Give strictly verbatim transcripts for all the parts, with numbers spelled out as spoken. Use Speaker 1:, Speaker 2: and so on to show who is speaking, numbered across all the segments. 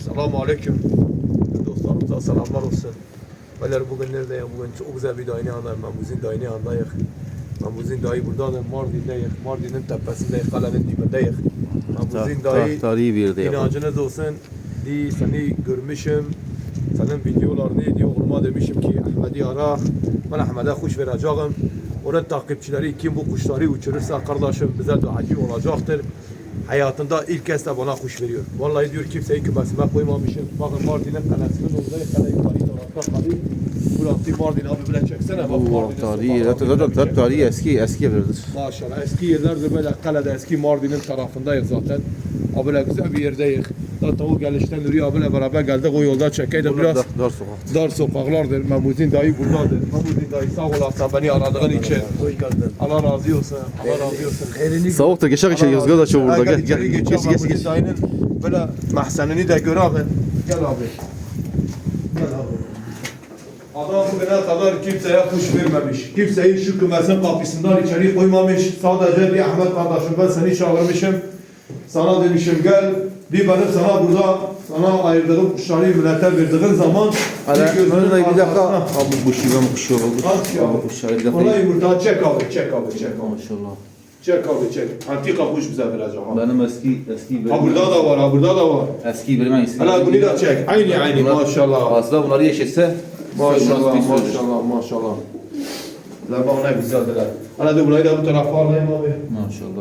Speaker 1: Selamun Aleyküm. Dostlarımıza selamlar olsun. Beyler bugün neredeyim? Bugün çok güzel bir dayını anlayım. Mamuzin dayını anlayık. Mamuzin dayı buradadır. Mardin'deyiz. Mardin'in tepesindeyiz. Kalenin dibindeyiz. Mamuzin dayı
Speaker 2: tarihi bir yerde yapalım.
Speaker 1: inancınız olsun. Di seni görmüşüm. Senin videolarını diyor oğluma demişim ki Ahmet'i ara. Ben Ahmet'e kuş vereceğim. Onun takipçileri kim bu kuşları uçurursa kardeşim bize duacı olacaktır. Hayatında ilk kez de bana kuş veriyor. Vallahi diyor kimseyi kümesime koymamışım. Bakın Mardin'in kalesinin orada kale yukarı tarafta kalıyor. Burası Mardin abi bile çeksene. Bak
Speaker 2: Allah
Speaker 1: Mardin'in
Speaker 2: tarihi,
Speaker 1: sokaklarını
Speaker 2: zaten
Speaker 1: çek.
Speaker 2: tarihi eski eski evlerdir.
Speaker 1: Maşallah eski yerlerde böyle kalede eski Mardin'in tarafındayız zaten. Abiyle güzel bir yerdeyiz. Zaten o gelişten Nuri abiyle beraber geldik o yolda çekeydi biraz.
Speaker 2: Dar, dar sokak.
Speaker 1: Dar sokaklardır. Memuzin dayı buradadır. Memuzin dayı sağ olasın beni aradığın için.
Speaker 3: Hoş geldin.
Speaker 1: Allah razı olsun. Allah razı olsun.
Speaker 3: Elini
Speaker 2: Soğuk da geçer geçer yazgı da çok burada. Gel gel
Speaker 1: gel.
Speaker 2: geç geç geç.
Speaker 1: Dayının böyle mahzenini de gör abi. Gel abi. Gel abi. Adam bugüne kadar kimseye kuş vermemiş. Kimseyi şu kümesin kapısından içeri koymamış. Sadece bir Ahmet kardeşim ben seni çağırmışım. Sana demişim gel. Bir benim sana burada sana ayırdığım kuşları millete verdiğin zaman
Speaker 2: Hala
Speaker 1: gözünün
Speaker 2: önüne bir dakika.
Speaker 1: arkasına-
Speaker 2: Abi bu şive mi kuşuyor oldu?
Speaker 1: Aç ya.
Speaker 2: Abi kuşları bir dakika.
Speaker 1: Ona yumurta çek abi çek abi çek abi.
Speaker 2: Maşallah.
Speaker 1: Çek abi çek. Antika kuş bize verecek abi.
Speaker 2: Benim eski eski
Speaker 1: Ha burada da var ha burada da var.
Speaker 2: eski bir iyisi.
Speaker 1: Hala bunu da çek. Aynı aynı maşallah.
Speaker 2: Aslında bunları yeşetse
Speaker 1: Maşallah maşallah maşallah. La bana ne güzeldiler. Hala da burayı da bu tarafa alayım abi.
Speaker 2: Maşallah.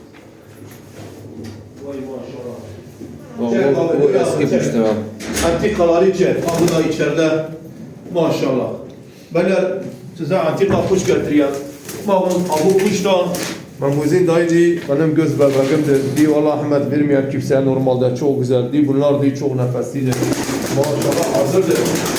Speaker 1: Vay maşallah.
Speaker 2: O,
Speaker 1: Çek
Speaker 2: o,
Speaker 1: abi,
Speaker 2: o
Speaker 1: buyur abi,
Speaker 2: eski
Speaker 1: çek.
Speaker 2: kuştur abi.
Speaker 1: Antikaları çek. Ha bu da içeride. Maşallah. Beyler size antika kuş getiriyorum. Bakın bu kuştan Mamuzin dayı diye benim göz bebeğimdir. Diye Allah Ahmet vermeyen kimseye normalde çok güzel. Diye bunlar diye çok nefeslidir. Maşallah hazırdır.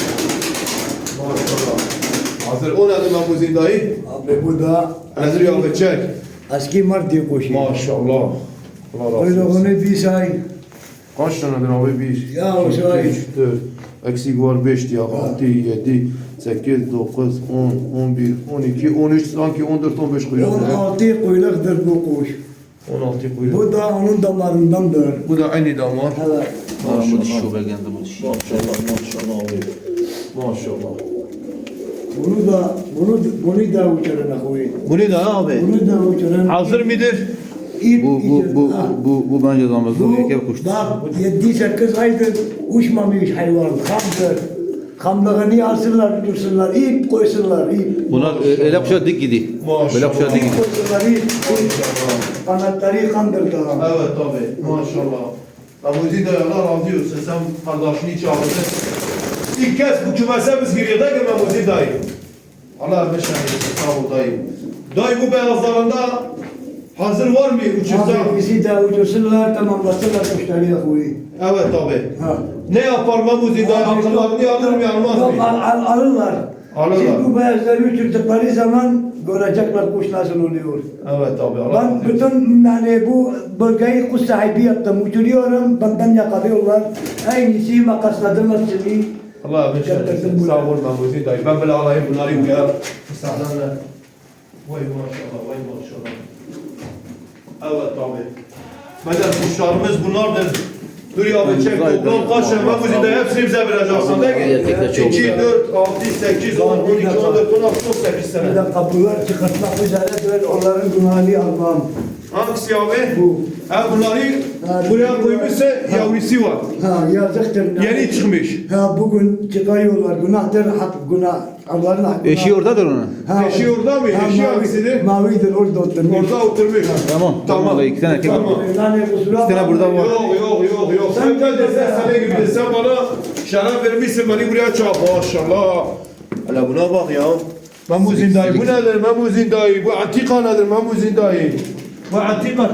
Speaker 1: Maşallah. Hazır. O nedir Mamuzin dayı?
Speaker 3: abi bu da
Speaker 1: Nedir ya abi çek.
Speaker 3: eski Mardin kuşu.
Speaker 1: Maşallah. Allah razı
Speaker 3: Öyle
Speaker 1: olsun.
Speaker 3: onu bir say.
Speaker 1: Kaç tanedir abi? Bir,
Speaker 3: Ya o
Speaker 1: iki,
Speaker 3: say.
Speaker 1: üç, dört. Eksik var beş diye. Altı, yedi, sekiz, dokuz, on, on bir, on iki, on üç, sanki on dört, on beş kuyruk.
Speaker 3: on altı kuyruktur bu kuş.
Speaker 1: on altı kuyruk.
Speaker 3: Bu da onun damarındandır.
Speaker 1: Bu da aynı damar.
Speaker 3: Evet.
Speaker 2: Maşallah. Bu dişi o belgende bu dişi.
Speaker 1: Maşallah, maşallah abi. Maşallah.
Speaker 3: Bunu da bunu bunu da uçurana koy.
Speaker 1: Bu ne daha abi?
Speaker 3: Bunu da uçurana.
Speaker 1: Hazır mıdır?
Speaker 3: İlk
Speaker 2: Bu bu bu
Speaker 3: içer- Ha.
Speaker 2: bu bu bence damızlı
Speaker 3: Bu
Speaker 2: bir erkek kuştur.
Speaker 3: bak yedi sekiz aydır uçmamış hayvan. Hamdır. Hamlığını alsınlar, uçursunlar, ip koysunlar, ip.
Speaker 2: Buna e, ele kuşa dik gidiyor.
Speaker 1: Maşallah.
Speaker 2: Böyle kuşa dik
Speaker 3: İp
Speaker 2: gidiyor.
Speaker 3: koysunlar, ip. Kanatları kandırdı.
Speaker 1: Evet tabi. Maşallah. Mamuzin dayı Allah razı olsun. Sen kardeşini çağırdın. İlk kez bu kümese biz giriyoruz ki Mamuzin dayı. Allah meşan eylesin. Sağ ol dayı. Dayı bu beyazlarında hazır var mı uçursa?
Speaker 3: Abi bizi de uçursunlar, tamamlasınlar kuşları koy.
Speaker 1: Evet tabi.
Speaker 3: Ha.
Speaker 1: Ne yapar Mamuzin dayı? Akıllarını alır mı almaz
Speaker 3: Yok,
Speaker 1: mı?
Speaker 3: al, al, alırlar.
Speaker 1: Alırlar.
Speaker 3: Şimdi bu beyazları uçurdukları zaman görecekler kuş nasıl oluyor.
Speaker 1: Evet tabi. Allah razı
Speaker 3: Ben
Speaker 1: olsun.
Speaker 3: bütün yani bu bölgeyi kuş sahibi yaptım. Uçuruyorum, benden yakalıyorlar. Aynısı makasladığımız gibi.
Speaker 1: Allah meşan
Speaker 3: Getirdim
Speaker 1: eylesin.
Speaker 3: bunu.
Speaker 1: Sağ ol Mamuzin dayı. Ben böyle alayım bunları uyar. Müsaadenle. Vay maşallah, vay maşallah. Evet tabi. Bedel kuşlarımız bunlardır. Dur ya abi çek toplam kaç tane Mamuzin dayı hepsini bize vereceksin değil mi?
Speaker 2: Erkekler çok
Speaker 1: iki,
Speaker 2: güzel.
Speaker 1: dört, altı, sekiz, on, on iki, on dört, on altı, on sekiz
Speaker 3: Bir
Speaker 1: sene.
Speaker 3: de kapılar çıkartmak üzeredir. Onların günahını almam.
Speaker 1: Hangisi abi?
Speaker 3: Bu.
Speaker 1: Ha bunları
Speaker 3: Ha,
Speaker 1: buraya koymuşsa yavrusu var.
Speaker 3: Ha yazıktır.
Speaker 1: Yeni çıkmış.
Speaker 3: Ha bugün çıkarıyorlar. Günahtır, hak, günah. Allah'ın hakkı.
Speaker 2: Eşi oradadır onun.
Speaker 3: Ha,
Speaker 1: Eşi orada mı?
Speaker 3: ha,
Speaker 1: Eşi
Speaker 3: mavi-
Speaker 1: hangisidir?
Speaker 3: Mavidir, orada oturmuş.
Speaker 1: Orada oturmuş.
Speaker 2: Tamam.
Speaker 1: Tamam.
Speaker 2: Tamam. İki tane erkek var.
Speaker 1: Tamam.
Speaker 3: Yani kusura
Speaker 2: İki tane burada var.
Speaker 1: Yok yok yok yok. Sen gel de sen sana gibi de sen bana şarap vermişsin beni buraya çağır. Maşallah. Hala buna bak ya. Mamuzin dayı bu nedir Mamuzin dayı? Bu antika nedir Mamuzin dayı? Bu antika.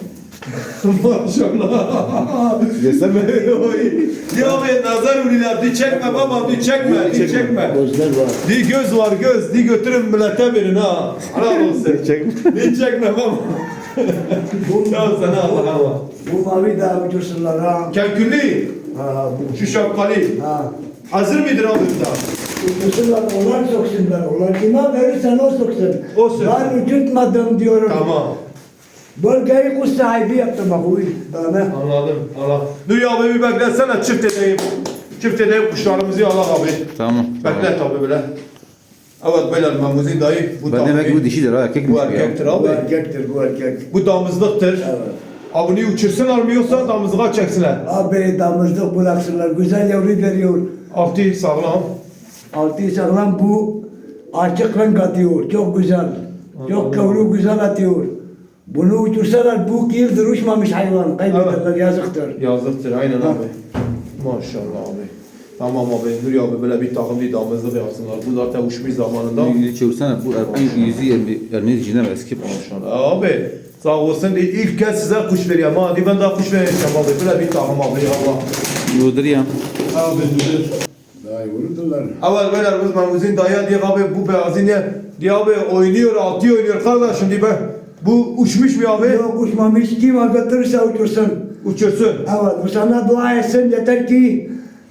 Speaker 1: Maşallah.
Speaker 2: Yesem mi?
Speaker 1: Ya be nazar uriler di çekme baba di çekme di çekme.
Speaker 3: Gözler var.
Speaker 1: Di göz var göz di götürün millete verin ha. Helal olsun.
Speaker 2: Çekme.
Speaker 1: Di çekme baba. Ya sana Allah Allah.
Speaker 3: Bu mavi de uçursunlar ha.
Speaker 1: Kelkülli.
Speaker 3: Ha, bu.
Speaker 1: Şu şapkalı.
Speaker 3: Ha.
Speaker 1: Hazır mıdır abi burada?
Speaker 3: Uçursunlar, onlar soksunlar. Onlar kime verirsen o soksun.
Speaker 1: O soksun.
Speaker 3: Ben uçurtmadım diyorum.
Speaker 1: Tamam.
Speaker 3: Bölgeyi kuş sahibi yaptım akuy. Dana.
Speaker 1: Anladım. Allah. Dur ya abi bir beklesene çift edeyim. Çift edeyim kuşlarımızı Allah abi.
Speaker 2: Tamam.
Speaker 1: Bekle tabi böyle. Evet beyler Mahmuzin dayı. Bu
Speaker 2: Ben demek ki bu dişidir ha erkek mi?
Speaker 1: Bu erkektir
Speaker 3: Bu
Speaker 1: abi.
Speaker 3: erkektir bu erkek.
Speaker 1: Bu damızlıktır.
Speaker 3: Evet.
Speaker 1: Abini uçursunlar mı yoksa damızlığa çeksinler.
Speaker 3: Abi damızlık bıraksınlar. Güzel yavru veriyor.
Speaker 1: Altı sağlam.
Speaker 3: Altı sağlam bu açık renk atıyor. Çok güzel. Çok kavru güzel atıyor. Bunu uçursalar bu iki yıldır uçmamış hayvan. Kaybederler yazıktır.
Speaker 1: Yazlıktır aynen abi. Maşallah abi. Tamam abi Nuri abi böyle bir takım bir damızlık yapsınlar. Bu zaten uçmuş zamanında.
Speaker 2: Yüzü çevirsene bu erkeğin yüzü yerini yerini dişine eski.
Speaker 1: Maşallah. Abi sağ olsun diye ilk kez size kuş veriyorum. Hadi ben daha kuş vereceğim abi. Böyle bir takım abi Allah.
Speaker 2: Yudur ya.
Speaker 1: Abi dur.
Speaker 3: Daha vurdular.
Speaker 1: Evvel beyler biz Mahmuzin dayı diye abi bu beyazı ne? Diye abi oynuyor, altı oynuyor kardeşim diye ben. Bu uçmuş mu abi?
Speaker 3: Yok uçmamış. Kim götürürse uçursun.
Speaker 1: Uçursun.
Speaker 3: Evet bu sana dua etsin. Yeter ki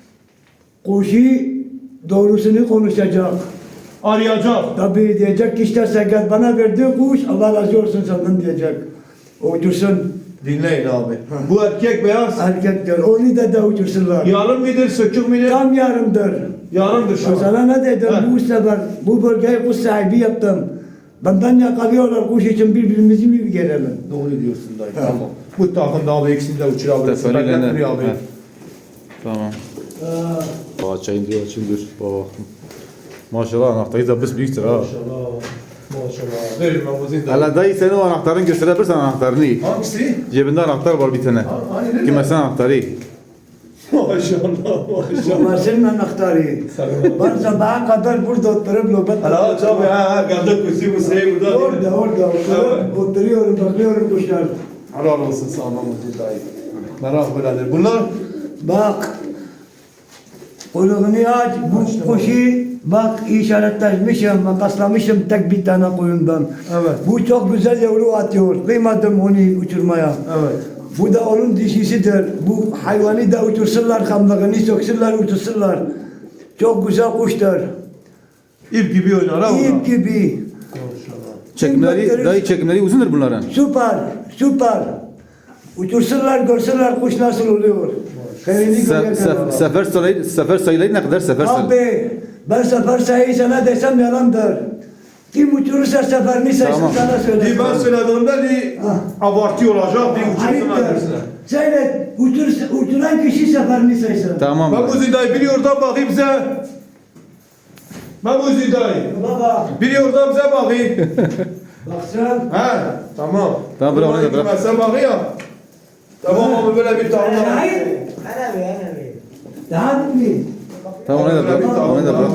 Speaker 3: kuşu doğrusunu konuşacak.
Speaker 1: Arayacak.
Speaker 3: Tabii diyecek ki işte sen gel bana verdiği kuş Allah razı olsun senden diyecek. Uçursun.
Speaker 1: Dinleyin abi. Bu erkek beyaz.
Speaker 3: Erkekler. Onu da da uçursunlar.
Speaker 1: Yarım mıdır, sökük müdür?
Speaker 3: Tam yarımdır.
Speaker 1: Yarımdır şu
Speaker 3: Ben
Speaker 1: an.
Speaker 3: sana ne dedim
Speaker 1: He.
Speaker 3: bu sefer bu bölgeye kuş sahibi yaptım. Benden yakalıyorlar kuş için birbirimizi mi gelelim?
Speaker 1: Doğru diyorsun dayı. Tamam. Bu takımda abi ikisini de uçurabilirsin.
Speaker 2: Teferiyle ne?
Speaker 1: Bekletmiyor abi.
Speaker 2: He. Tamam. Baba çayın diyor açın dur. Baba. Maşallah anahtayı da biz büyüktür ha.
Speaker 1: Maşallah. Maşallah. Verin Mahmuzin dayı.
Speaker 2: Hala dayı senin o anahtarını gösterebilirsen anahtarını.
Speaker 1: Hangisi?
Speaker 2: Cebinde anahtar var bir tane.
Speaker 1: Hani nerede?
Speaker 2: Kime sen anahtarı?
Speaker 1: Maşallah. Maşallah.
Speaker 3: Bunlar senin anahtarı. Ben sabaha kadar burada oturup nöbet
Speaker 1: Hala aç abi ha. Geldik kusi kusi burada.
Speaker 3: Orada orada oturup oturuyorum bakıyorum kuşlar.
Speaker 1: Helal olsun sana Mahmuzin dayı. Merak böyledir. Bunlar
Speaker 3: Bak kuyruğunu aç bu kuşu bak işaretlemişim makaslamışım tek bir tane koyundan.
Speaker 1: Evet.
Speaker 3: Bu çok güzel yavru atıyor. Kıymadım onu uçurmaya.
Speaker 1: evet.
Speaker 3: Bu da onun dişisidir. Bu hayvanı da uçursunlar, kamlığını söksünler, uçursunlar. Çok güzel kuştur.
Speaker 1: İp gibi oynar ha bunlar.
Speaker 3: İp gibi.
Speaker 1: Maşallah.
Speaker 2: Çekimleri, dayı çekimleri uzundur bunların.
Speaker 3: Süper, süper. Uçursunlar, görsünler kuş nasıl oluyor. Kendini
Speaker 2: Se,
Speaker 3: görecekler.
Speaker 2: se, sefer sayıları, sefer sayıları ne kadar sefer sayıları?
Speaker 3: Abi, ben sefer sayıyı sana desem yalandır. Kim uçurursa seferini saysın
Speaker 2: Tamam.
Speaker 3: sana söyle.
Speaker 1: Di ben söylediğimde di
Speaker 3: Ah.
Speaker 1: abartıyor olacak. Di uçursunlar
Speaker 3: Ayıptır.
Speaker 1: dersine.
Speaker 3: Seyret, uçur, uçuran kişi seferini saysın.
Speaker 2: Tamam.
Speaker 1: Mahmuzin dayı biliyor da bakayım bize. Mahmuzin dayı.
Speaker 3: Baba,
Speaker 1: Biliyor da bize bakayım.
Speaker 3: baksana.
Speaker 1: He tamam.
Speaker 2: Tamam, bırak onu da bırak.
Speaker 1: Sen bakayım. Tamam abi böyle bir tahmin.
Speaker 3: Hayır. Ana be, ana be. Daha mı?
Speaker 2: Tamam onu da bırak. Onu da bırak.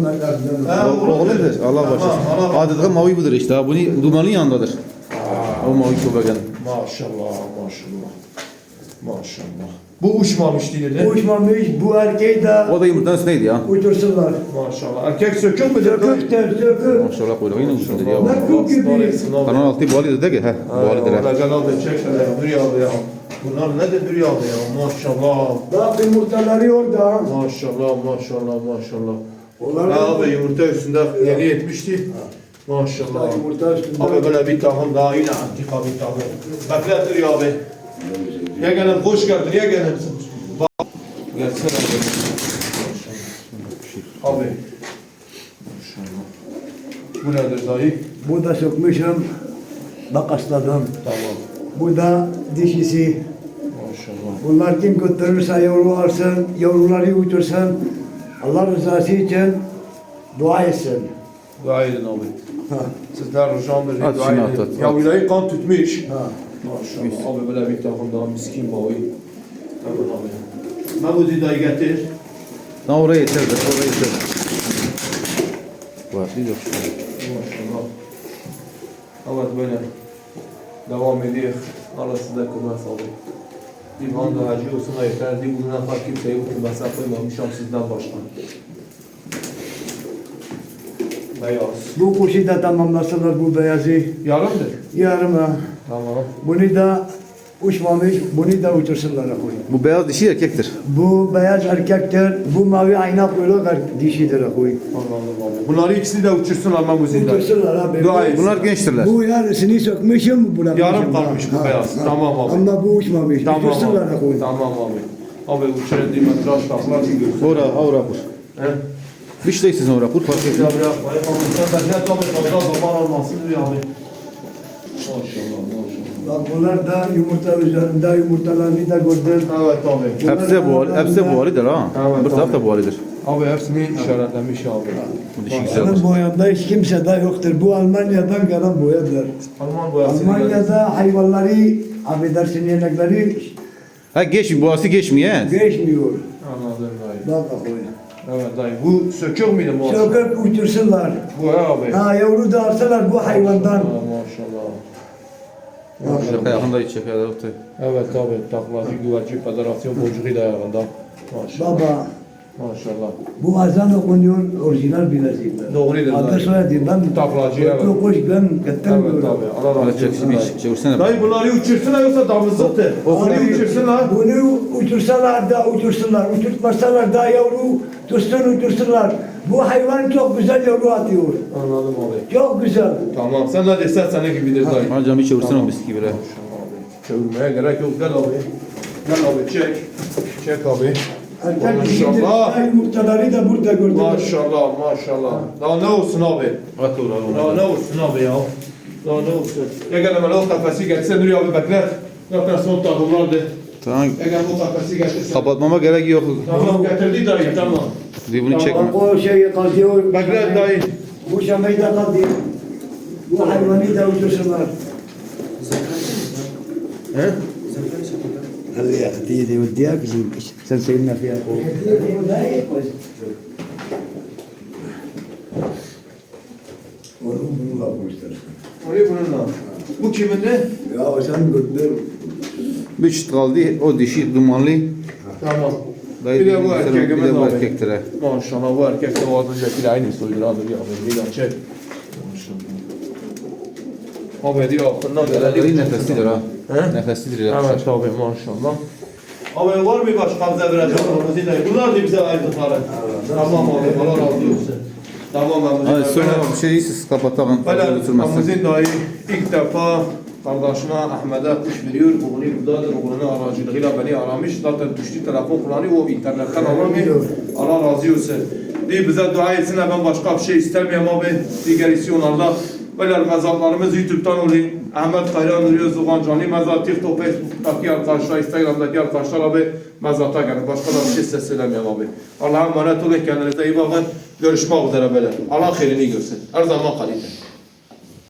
Speaker 2: O- Oğludur. Allah başlasın. Adeta mavi budur işte. ha. Bunu dumanın yanındadır. O mavi köpeğin.
Speaker 1: Maşallah maşallah. Maşallah. Bu uçmamış değil de.
Speaker 3: Uçmamış, bu erkeği de
Speaker 2: O da yumurtanın üstündeydi ya.
Speaker 3: uçursunlar.
Speaker 1: Maşallah. Erkek sökük müdür?
Speaker 3: Söküktür, sökük.
Speaker 2: Maşallah kuyruğu yine uzundur ya.
Speaker 3: Bak bu gibi.
Speaker 2: Kanal altı buhalı dedi ki. He. Buhalıdır.
Speaker 1: Valla Celal da çek şöyle ya. Dur ya abi ya. Bunlar ne de dur ya abi ya. Maşallah.
Speaker 3: Bak yumurtaları orada.
Speaker 1: Maşallah maşallah maşallah.
Speaker 3: Onlar
Speaker 1: Ha abi yumurta üstünde yeni yetmişti. Maşallah.
Speaker 3: Yumurta üstünde.
Speaker 1: Abi böyle bir tahım daha yine antika bir tahım. Beklettir ya abi. Ya gelin hoş geldin ya gelin. Bak. Gelsene abi. Maşallah. Abi. Maşallah. Bu nedir dayı?
Speaker 3: Bu da sökmüşüm. Bak asladım.
Speaker 1: Tamam.
Speaker 3: Bu da dişisi.
Speaker 1: Maşallah.
Speaker 3: Bunlar kim götürürse yavru alsın, yavruları uçursun. Allah rızası için dua etsin.
Speaker 1: Dua edin abi. Sizler ricamdır.
Speaker 2: At
Speaker 1: dua
Speaker 2: şunu
Speaker 1: edin.
Speaker 2: at, at,
Speaker 1: Ya
Speaker 2: at.
Speaker 1: vilayı kan tutmuş.
Speaker 3: Ha.
Speaker 1: Maşallah. Abi böyle bir takım daha miskin mavi. Tamam abi. Mahmudi dayı getir.
Speaker 2: Lan oraya yeter. de, Oraya yeter. Var. Bir yok.
Speaker 1: Maşallah. Evet böyle devam ediyor. Allah size kılmaz abi. İmam da hacı olsun da yeter. Di bugüne kadar kimseyi bu kılmasa koymamışam sizden başka. Beyaz.
Speaker 3: Bu kuşu da tamamlasınlar bu beyazı.
Speaker 1: Yarımdır.
Speaker 3: Yarıma.
Speaker 1: Tamam.
Speaker 3: Bunu da Uçmamış, bunu da uçursunlar akıllı.
Speaker 2: Bu beyaz dişi erkektir.
Speaker 3: Bu beyaz erkektir, bu mavi ayna kuyruğu dişidir akıllı.
Speaker 1: Anladım abi. Bunları ikisini de uçursunlar Mahmuzin dayı.
Speaker 3: Uçursunlar abi.
Speaker 1: Dua et.
Speaker 2: Bunlar gençtirler.
Speaker 3: Bu yarısını sökmüşüm, bırakmışım.
Speaker 1: Yarım kalmış bu
Speaker 3: Ha,
Speaker 1: beyaz.
Speaker 3: ha.
Speaker 1: Tamam abi.
Speaker 3: Ama bu uçmamış,
Speaker 1: Tamam
Speaker 3: uçursunlar
Speaker 1: abi.
Speaker 3: akıllı.
Speaker 1: Tamam abi. Abi uçuran değil metraj taklar bir görsün.
Speaker 2: Ora, avra kur.
Speaker 1: He?
Speaker 2: Bir şey sizin ora kur fark
Speaker 1: Ya
Speaker 2: etmiyor.
Speaker 1: bırak. Sen ben ne tabi fazla zaman almasın diyor abi. Maşallah maşallah.
Speaker 3: Bak bunlar da yumurta üzerinde yumurtalarını da gördüm.
Speaker 1: Evet abi.
Speaker 2: Hepsi de bu, hepsi de bu halidir ha.
Speaker 1: Evet,
Speaker 2: Bir taraf da bu halidir.
Speaker 1: Abi hepsini işaretlemiş abi.
Speaker 2: Bu dişi güzeldir.
Speaker 3: Benim boyamda hiç kimse de yoktur. Bu Almanya'dan gelen boyadır.
Speaker 1: Alman boyasını
Speaker 3: Almanya'da hayvanları, affedersin yemekleri
Speaker 2: Ha geçmiyor, boğası geçmiyor he.
Speaker 3: geçmiyor.
Speaker 1: Anladım dayı.
Speaker 3: Bak bakayım.
Speaker 1: Evet dayı. Bu sökük müydü bu?
Speaker 3: Sokak uçursunlar.
Speaker 1: Bu he abi.
Speaker 3: Ha yavru da alsalar bu hayvandan.
Speaker 1: Ha, maşallah.
Speaker 2: Şaka yakında hiç şaka yoktu.
Speaker 1: Evet abi. Taklacı Güvercin Federasyon boncuğu da ayağında. Maşallah.
Speaker 3: Baba
Speaker 1: Maşallah.
Speaker 3: bu azan okunuyor orijinal bilezikler.
Speaker 1: Doğrudur
Speaker 3: Adı
Speaker 1: dayı.
Speaker 3: soyadı ben
Speaker 1: Taklacı, evet.
Speaker 3: Koş koş ben
Speaker 1: Evet
Speaker 3: getirmiyorum.
Speaker 1: abi. Allah razı
Speaker 2: Hadi
Speaker 1: olsun.
Speaker 2: çeksin bir çevirsene.
Speaker 1: Dayı bunları uçursunlar yoksa damızlıktır. Bunları uçursunlar.
Speaker 3: Bunu uçursalar da uçursunlar, uçurtmasalar da yavru tutsun uçursunlar. Bu hayvan çok güzel yavru atıyor.
Speaker 1: Anladım abi.
Speaker 3: Çok güzel.
Speaker 1: Tamam. Sen ne desen senin gibidir dayı.
Speaker 2: Hocam bir çevirsene o bisküvi bile.
Speaker 1: Çevirmeye gerek yok. Gel abi. Gel abi çek. Çek abi.
Speaker 3: Erkek dişidir.
Speaker 1: Maşallah.
Speaker 3: Yumurtaları da burada gördüm.
Speaker 1: Maşallah maşallah. Daha ne olsun abi?
Speaker 2: At ora
Speaker 1: Daha ne olsun abi ya? Daha ne olsun? Ya gel hemen o kafesi getirsen Nuri abi bekler. Zaten son takımlardı.
Speaker 2: Tamam.
Speaker 1: Ya gel bu kafesi getirsen.
Speaker 2: Kapatmama gerek yok.
Speaker 1: Tamam getirdi dayı tamam.
Speaker 2: Diye bunu çekme.
Speaker 3: Bak o şey kalıyor.
Speaker 1: Bekle dayı.
Speaker 3: Bu şamayı da kalıyor. Bu hayvanı da uçursunlar.
Speaker 1: He?
Speaker 3: هذه هدية وديك عشان سيدنا فيها
Speaker 1: Oraya bununla. Bu kimin ne?
Speaker 3: Ya sen gördün.
Speaker 2: Bir çıt kaldı o dişi dumanlı.
Speaker 1: Tamam.
Speaker 2: Dayı
Speaker 1: Bir de bu
Speaker 2: bir
Speaker 1: erkeğimiz
Speaker 2: de bu
Speaker 1: abi.
Speaker 2: erkektir he.
Speaker 1: Maşallah bu erkek de o az öncekiyle aynı soydur abi. Bir de çek. Abi diyor aklından
Speaker 2: Dayı
Speaker 1: geleni
Speaker 2: nefeslidir ha.
Speaker 1: He?
Speaker 2: Nefeslidir ya.
Speaker 1: Evet abi maşallah. Abi var mı başka bize verecek olması dayı? Bunlar da bize ayırdıkları. Tamam abi Allah razı olsun. Tamam Mahmuzin
Speaker 2: Hadi
Speaker 1: dayı.
Speaker 2: sonra bir şey siz kapatalım.
Speaker 1: Böyle
Speaker 2: Götürmezsin.
Speaker 1: Mahmuzin dayı ilk defa kardeşine Ahmet'e kuş veriyor. Oğlu buradadır. Oğlunun aracılığıyla beni aramış. Zaten düştü telefon kullanıyor. O internetten aramıyor. Allah razı olsun. Diye bize dua etsin. Ben başka bir şey istemiyorum abi. Diğer isyonlarda. Böyle mezarlarımız YouTube'dan oluyor. Ahmet Kayran Nuri Zugan Canlı mezar, TikTok, Facebook'taki arkadaşlar, Instagram'daki arkadaşlar abi mezarta gelin. Başka da bir şey size söylemiyorum abi. Allah'a emanet olun. Kendinize iyi bakın. Görüşmek üzere böyle. Allah hayırını görsün. Her zaman kalite.